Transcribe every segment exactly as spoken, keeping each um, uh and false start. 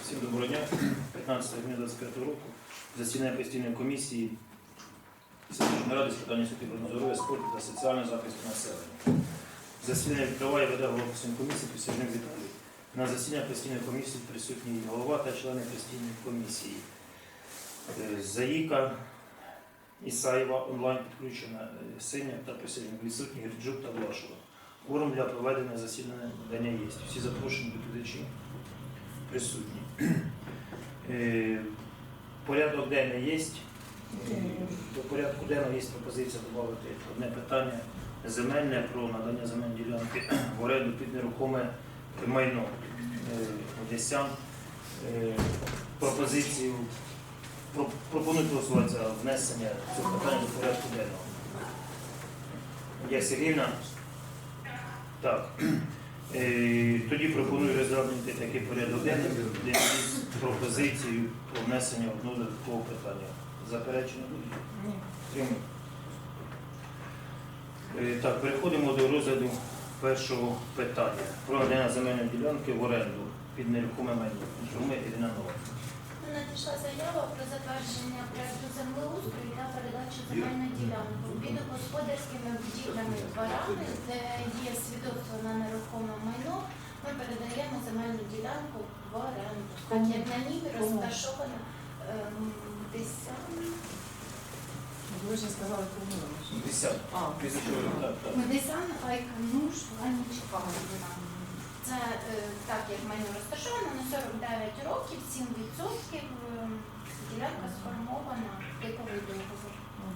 Всім доброго дня. п'ятнадцятого грудня двадцять п'ятого року засідання постійної комісії селищної ради з питань освіти, здоров'я, спорту та соціального захисту населення. Засідання відкриває веде голова постійної комісії Присяжних Віталій. На засідання постійної комісії присутній голова та члени постійної комісії. Заїка, Ісаєва, онлайн підключена, Синя та присяжних відсутні, Гірджук та Влашова. Кворум для проведення засідання є. Всі запрошені доповідачі присутні. Порядок денний є. До порядку денного є пропозиція додати одне питання земельне про надання земельної ділянки в оренду під нерухоме майно Одесян. Пропозицію пропонують голосувати за внесення цього питання до порядку денного. Є Сергійна? Так. Тоді пропоную розглянути такий порядок денний, де є пропозицію про внесення одного додаткового питання. Заперечення буде? Ні. Так, переходимо до розгляду першого питання. Про надання земельної ділянки в оренду під нерухоме майно. Інформує Ірина Нова. Надійшла заява про затвердження проєкту землеустрою та передачу земельної ділянки під господарськими будівлями дворами, де є свідоцтво на нерухоме майно. Ми передаємо земельну ділянку в оренду. Так як на ній розташовано ем, Десян. Ви вже сказали, кому Десят. А, Десян, Айкануш, Ганічка. Це е, так, як майно розташовано, на сорок дев'ять років, сім відсотків е, ділянка сформована, типовий договор.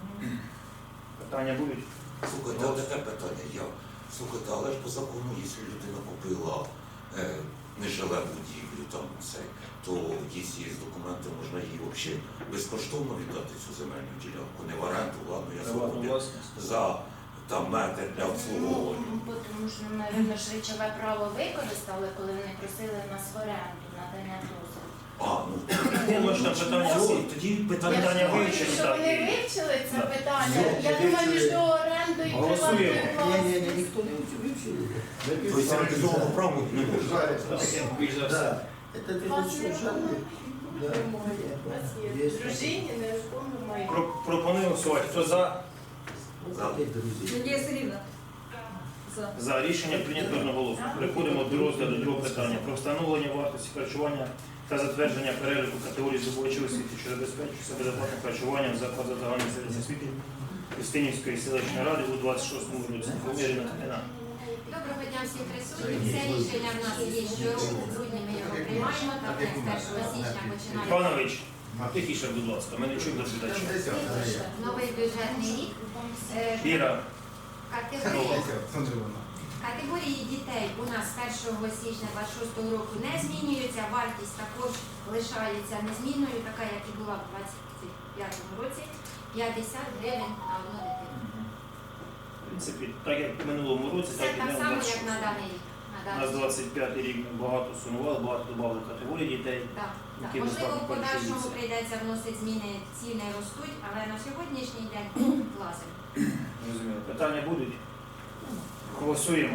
Питання будуть? Слухайте, а таке питання я. Слухайте, але ж по закону, якщо людина купила е, нежиле будівлю, там це, то якщо є документи, можна їй взагалі безкоштовно віддати цю земельну ділянку, не в оренду, ладно, я згоден, за там метр для обслуговування. Ну, тому що, мабуть, ж речове право використали, коли вони просили нас в оренду надання дозволу. А, ну, Я думаю, що там питання ну, всі. тоді Я Питання питання думаю, вивчені, що так, вони і- вивчили це Да. питання. Ну, Я думаю, між вивчили. орендою і Голосуємо. приватною Не, не, не, власністю. никто не вивчив. Тобто цивілізованого права не може. Більш за все. Да. Это ты Вас тут не слушал? Да. Есть. Дружині нерухоме майно. Про- Пропоную голосувати. Хто за? За. Опять друзья. Надія Сергіївна. За. За рішення прийнято одноголосно. Переходимо до розгляду другого питання про встановлення вартості харчування та затвердження переліку категорій здобувачів освіти, що забезпечують себе безоплатним харчуванням в закладах загальної середньої освіти Устинівської селищної ради у двадцять шостому році. Поміряна Катерина. Доброго дня всім присутнім. Це рішення в нас є щороку, в грудні ми його приймаємо, так як з першого січня починаємо Панович, тихіше, будь ласка, ми не чуємо доповідача. новий бюджетний рік. Е, Іра, Категорії, категорії дітей у нас з першого січня двадцять шостого року не змінюються, вартість також лишається незмінною, така як і була в двадцять п'ятому році, п'ятдесят гривень на одну дитину. в принципі, так як в минулому році, Це так і так не само, в як на даний рік. На У даний нас рік. двадцять п'ятий рік ми багато сумували, багато додали категорій дітей. Так, так. які Можливо, безплатно в подальшому харчуються. прийдеться вносити зміни, ціни ростуть, але на сьогоднішній день влазимо. Розумію. Питання будуть? Голосуємо.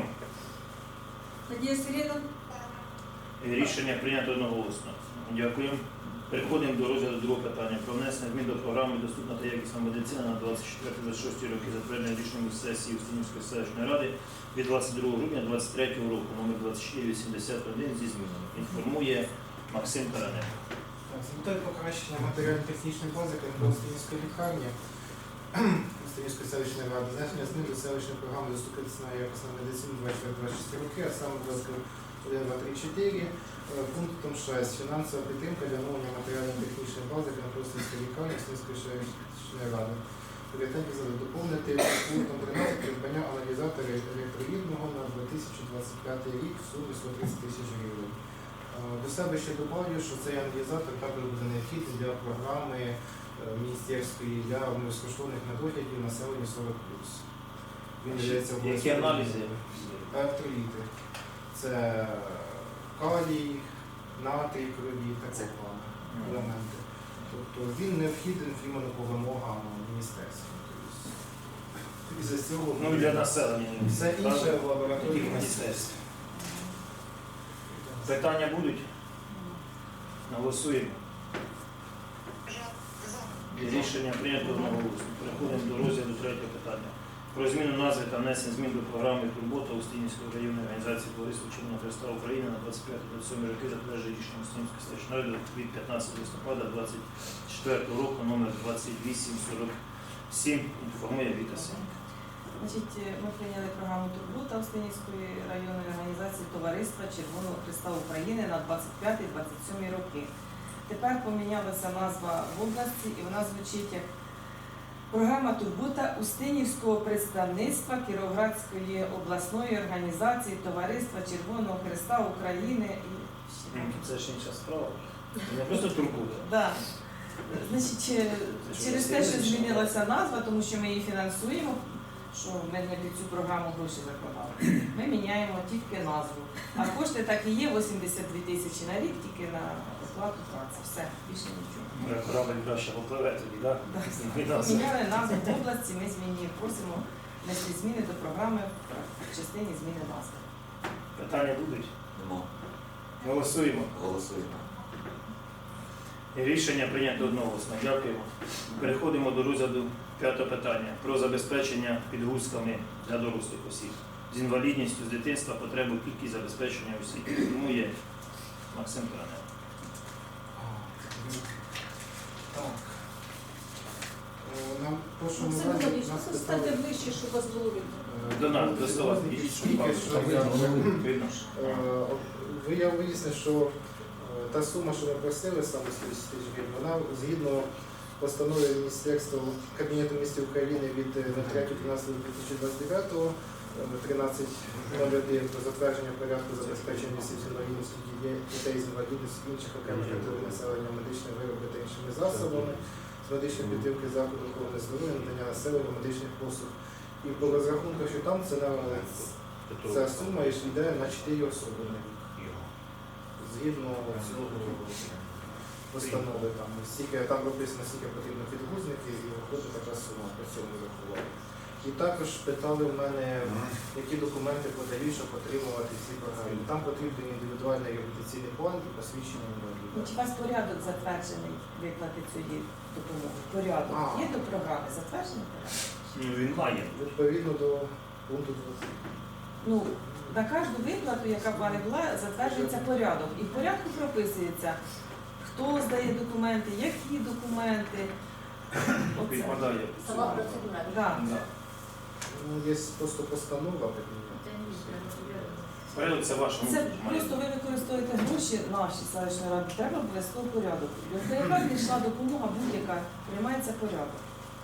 Надія Сергіївна. Рішення прийнято одноголосно. Дякую. Переходимо до розгляду другого питання про внесення змін до програми «Доступна та якісна медицина» на двадцять четвертий двадцять шостий роки, затвердження рішенням сесії Устинівської селищної ради від двадцять другого грудня двадцять третього року, номер двадцять чотири вісімдесят один зі змінами. Інформує Максим Тараненко. З метою покращення матеріально-технічної бази Устинівської лікарні Устинівської селищної ради, значення змін до селищної програми «Доступна та якісна медицина» двадцять четвертий двадцять шостий роки, а саме один, два, три, чотири, пунктом шість. Фінансова підтримка для оновлення матеріально-технічної бази Устинівської лікарні Устинівської селищної ради. Пріоритетні задачі доповнити пунктом тринадцять придбання аналізатора електроїдного на дві тисячі двадцять п'ятий рік в сумі сто тридцять тисяч гривень. До себе ще добавлю, що цей аналізатор також буде необхідний для програми міністерської для безкоштовних медоглядів населення сорок плюс. Він являється Які аналізи? Електроліти. Це калій, натрій крові, такого елементи. Тобто він необхідний іменно по вимогам міністерства. Тобто, із-за цього Ну і для населення. все інше в лабораторії Яких міністерств? Питання будуть? Голосуємо. Рішення прийнято одноголосно. Переходимо до розгляду третього питання. Про зміну назви та внесення змін до програми «Турбота» Устинівської районної організації Товариства Червоного Хреста України на двадцять п'яте - двадцять сьоме роки, затверджує рішення Устинівської селищної ради від п'ятнадцятого листопада двадцять четвертого року номер двадцять вісім сорок сім. Інформує Віта Сенька. Значить, ми прийняли програму «Турбота» Устинівської районної організації Товариства Червоного Хреста України на двадцять п'яте - двадцять сьоме роки. Тепер помінялася назва в області і вона звучить як програма «Турбота» Устинівського представництва Кіровоградської обласної організації Товариства Червоного Хреста України. І... Це ж інша справа. Не просто турбота. Да. Значить, е, через те, що змінилася назва, тому що ми її фінансуємо, що ми не під цю програму гроші закладали, ми міняємо тільки назву. А кошти так і є, вісімдесят дві тисячі на рік, тільки на оплату праці. Все, більше нічого. Моя корабль краще попливе тоді, так? Міняли назву в області, ми змінюємо, просимо внести зміни до програми в частині зміни назви. Питання будуть? Нема. Голосуємо. Голосуємо. Рішення прийнято одноголосно. Дякуємо. Переходимо до розгляду п'ятого питання про забезпечення підгузками для дорослих осіб з інвалідністю з дитинства, потребу кількість забезпечення осіб. Тому є Максим Коронel. Так. Е, Нам в прошлому Максим разі Володимирович, нас ну, станьте питали... ближче, щоб вас було видно. е, До нас, до стола, підійдіть, щоб Тільки вам що я- видно ж. Е, ви- Я вияснив, що е, та сума, що ми просили, саме сто тисяч гривень, вона згідно постанови Міністерства Кабінету міністрів України від третього тринадцятого дві тисячі двадцять дев'ятого тринадцять нуль один про затвердження порядку забезпечення осіб з інвалідністю, дітей- дітей з інвалідністю, інших окремих категорій населення медичними виробами та іншими засобами з медичної підтримки закладу охорони здоров'я, надання населення медичних послуг. І по розрахунках, що там це на ця сума йде на чотири особи на рік. Згідно цього постанови, там стільки там прописано, скільки потрібно підгузників, і виходить така сума по цьому рахували. І також питали в мене, які документи подають, щоб отримувати ці програми. Там потрібен індивідуальний реабілітаційний план і посвідчення інваліда. Чи у вас порядок затверджений виплати цієї допомоги? Порядок А. є до програми? Затверджений порядок? Ну, він має. Відповідно до пункту двадцять. Ну, на кожну виплату, яка б вона була, затверджується порядок. І в порядку прописується, хто здає документи, які документи. Оце. Підпадає. Сама процедура. Да. Да. Ну, є просто постанова, Кабінету. Порядок це ваше. Це просто ви використовуєте гроші наші селищної ради, треба обов'язково порядок. До яка йшла допомога будь-яка, приймається порядок.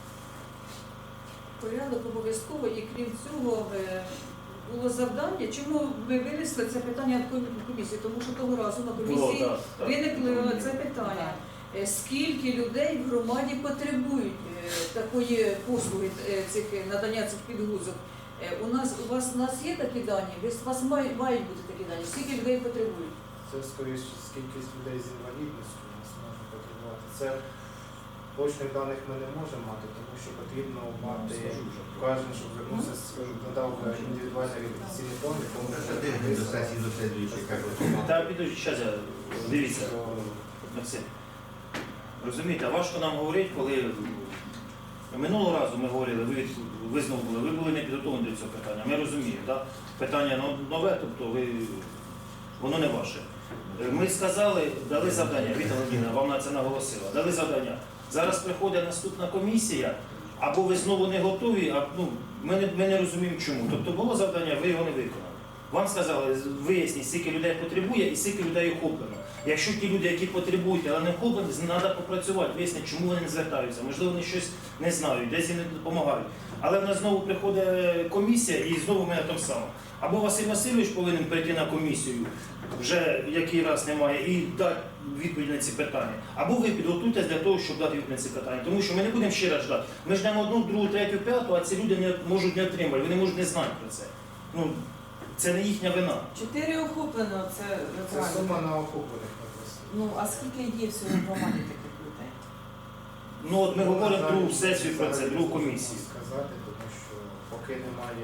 Порядок обов'язково, і крім цього е, було завдання. Чому ви винесли це питання на комісії? Тому що того разу на Було, комісії так, так. виникло це питання. Е, Скільки людей в громаді потребують е, такої послуги, е, цих е, надання цих підгузок? Е, У нас у вас у нас є такі дані? Ви- У вас мають, мають бути такі дані. Скільки людей потребують? Це скоріше кількість людей з інвалідністю у нас може потребувати. Це точних даних ми не можемо мати, тому що потрібно мати кожен, щоб звернувся, надав індивідуальний реабілітаційний план, якому До сесії до слідуючої, як Та підуть, зараз я, дивіться, Максим. Розумієте, а важко нам говорити, коли минулого разу ми говорили, ви, від- ви знову були, ви були не підготовлені до цього питання. Ми розуміємо, так? Питання но- нове, тобто ви, воно не ваше. Ми сказали, дали завдання, Віта Володимирівна вам на це наголосила, дали завдання. Зараз приходить наступна комісія, або ви знову не готові, а ну, ми, не, ми не розуміємо чому. Тобто було завдання, ви його не виконали. Вам сказали, виясніть, скільки людей потребує і скільки людей охоплено. Якщо ті люди, які потребують, але не охоплені, треба попрацювати, вияснити, чому вони не звертаються. Можливо, вони щось не знають, десь їм не допомагають. Але в нас знову приходить комісія і знову ми так само. Або Василь Васильович повинен прийти на комісію, вже який раз немає, і дати відповідь на ці питання. Або ви підготуйтесь для того, щоб дати відповідь на ці питання. Тому що ми не будемо ще раз ждати. Ми ждемо одну, другу, третю, п'яту, а ці люди не можуть не отримати, вони можуть не знати про це. Ну, це не їхня вина. Чотири охоплено, це Це правильно. сума на охоплених написано. Ну, а скільки є всього в громаді таких людей? Ну от ми говоримо другу Зараз сесію про це, зараз другу не комісію. можна сказати, тому що поки немає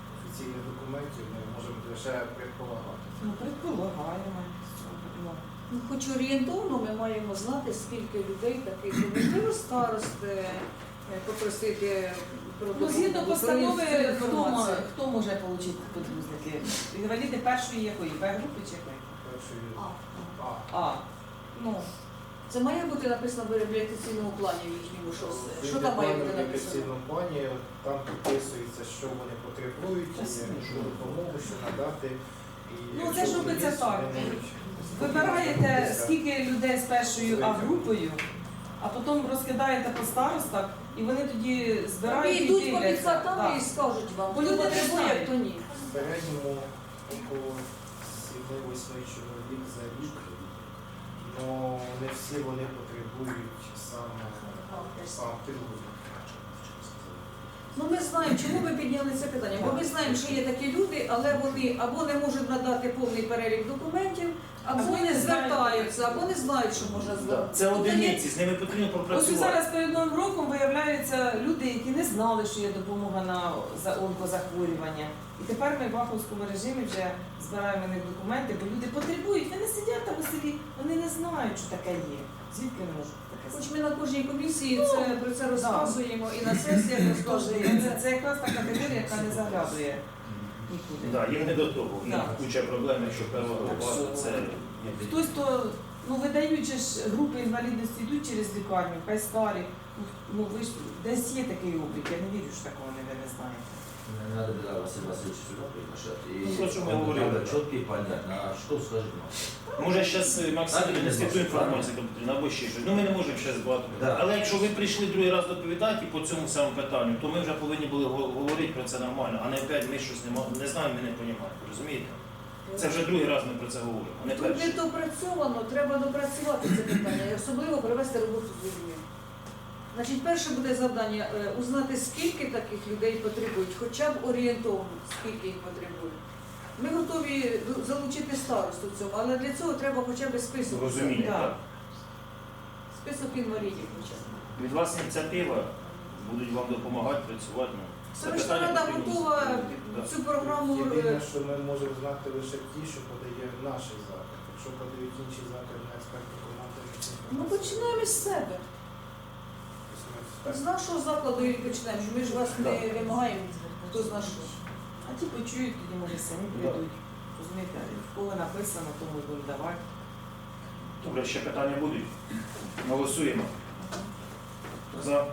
офіційних документів, ми можемо лише предполагати. Ну, предполагаємо. Ну, Ну, хоч орієнтовно ми маємо знати, скільки людей таких. Можливо, старости е, попросити про Ну, згідно допомогу, про постанови, хто, інформацію. мо- хто може отримати підгузники? Інваліди першої якої? Б групи чи якої? Першої А. А. А. Ну, Це має бути написано в реабілітаційному плані в їхньому щось. В Що там має бути написано? реабілітаційному плані там підписується, що вони потребують, яку допомогу, що надати. І Ну, якщо це ж робиться є, так. вони можуть вибираєте, звернутися. скільки людей з першою А-групою, а потім розкидаєте по старостах, і вони тоді Вони збирають і йдуть по дивляться. підхатам Так. і скажуть вам, Бо хто люди не потребує, знають. хто ні. В середньому около сім-восьми чоловік за рік, але не всі вони потребують саме сам підгузок. Ну ми знаємо, чому ми підняли це питання. Бо ми знаємо, що є такі люди, але вони або не можуть надати повний перелік документів, або Або не не звертаються, або не знають, що можна Да. звернутися. Це Тобто є- одиниці, з ними потрібно Ось і пропрацювати. зараз перед Новим роком виявляються люди, які не знали, що є допомога на за онкозахворювання. І тепер ми в ваховському режимі вже збираємо на них документи, бо люди потребують. Вони сидять там у селі, вони не знають, що таке є. Звідки вони можуть таке Хоч знати? ми на кожній комісії це, про це розказуємо і на сесіях розказуємо. Це, це якраз та категорія, яка не заглядує нікуди. Да, їм не до того. У них Да. куча проблем, якщо певно Так група, що- це Хтось то, ну видають же ж групи інвалідності йдуть через лікарню, хай старі. Ну, Ну ви ж десь є такий облік, я не вірю, що такого не ви не знаєте. Надо было Василия Васильевича сюда приглашать. И Ну, то, что мы он говорили, надо да. четко и понятно, а что скажет нам. може зараз Максим Так, донести не ту знаю, інформацію, яка потрібна, або ще щось. Ну ми не можемо зараз багато. Да. Але якщо ви прийшли другий раз доповідати по цьому самому питанню, то ми вже повинні були го- говорити про це нормально, а не опять ми щось не, мо- не знаємо, ми не розуміємо. Розумієте? Це вже другий раз ми про це говоримо, а не Тут не перший. допрацьовано, треба допрацювати це питання, і особливо провести роботу з людьми. Значить, перше буде завдання е, узнати, скільки таких людей потребують, хоча б орієнтовно, скільки їх потребують. Ми готові залучити старосту в цьому, але для цього треба хоча б список. Розуміння, Да. так. Список інвалідів хоча б. Від вас ініціатива, будуть вам допомагати працювати. Ну, це Селищна питання рада потрібно готова зробити, да. цю програму. Єдине, е, що ми можемо знати лише ті, що подає наш заклад. Якщо подають інші заклади на експертну команду, ми цим Ну починаємо з себе. З нашого закладу і почнемо. Ми ж вас не вимагаємо, хто зна що. А ті почують, тоді може самі прийдуть. Розумієте, в кого написано, тому й будуть давати. Добре, ще питання будуть. Голосуємо. За.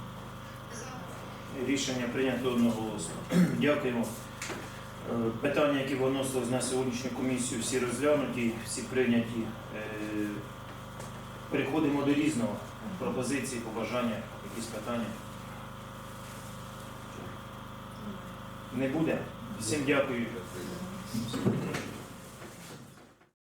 Рішення прийнято одноголосно. Дякуємо. Е, Питання, які виносились на сьогоднішню комісію, всі розглянуті, всі прийняті. Е, Переходимо до різного. Пропозиції, побажання, якісь питання. Не буде? Всім дякую.